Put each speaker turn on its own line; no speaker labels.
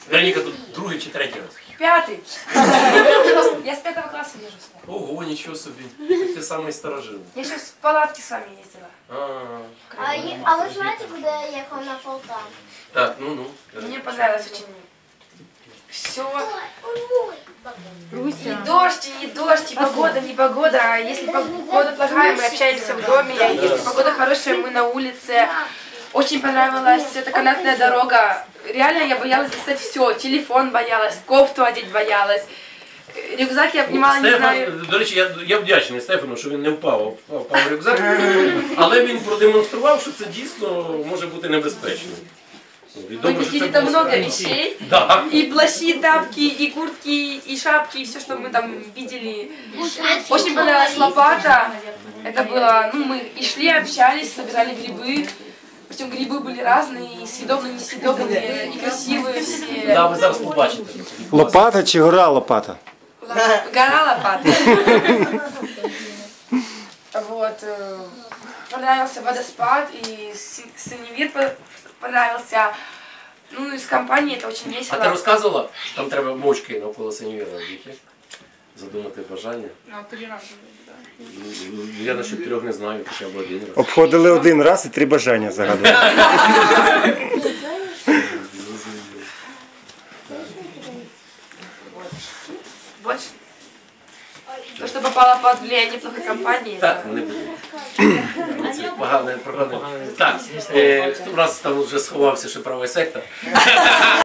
Вероніка, тут другий чи третій раз?
Пятый. Я с 5 класса езжу сюда.
Ого, нічого собі. Ти самий старожил.
Я еще с палатки с вами ездила.
А вы знаете, куда я ехал на Полтаву?
Так, ну.
Мне понравилось очень. Все. И дождь, и не дождь, и погода, не погода. А если погода плохая, мы общаемся в доме. А если погода хорошая, мы на улице. Очень понравилась эта канатная дорога. Реально я боялась достать все. Телефон боялась, кофту одеть боялась. Рюкзак я обнимала, не знаю.
До речі, я вдячний Стефану, що він не впав в рюкзак, але він продемонстрував, що це дійсно може бути небезпечно.
Мы купили там много вещей,
да.
И плащи, и тапки, и куртки, и шапки, и все, что мы там видели. Очень понравилась лопата. Это было, ну, мы и шли, общались, собирали грибы. Причем грибы были разные, и съедобные, и несъедобные, и красивые все.
Да, ви зараз побачите.
Лопата чи гора лопата?
Гора лопата. Вот. Понравился водоспад, и синевир понравился. Ну, из компании это очень
А
весело.
ти розказувала, що там треба мочки навколо синьора робити? Задумати бажання?
Ну, 3 раза, да.
Я насчет 3 не знаю, хоча б 1 раз.
Обходили 1 раз і 3 бажання загадували.
Больше? То, что попало под влияние плохой компании.
Так, не будемо. Це погане. Так, у нас там вже сховався ще правий сектор.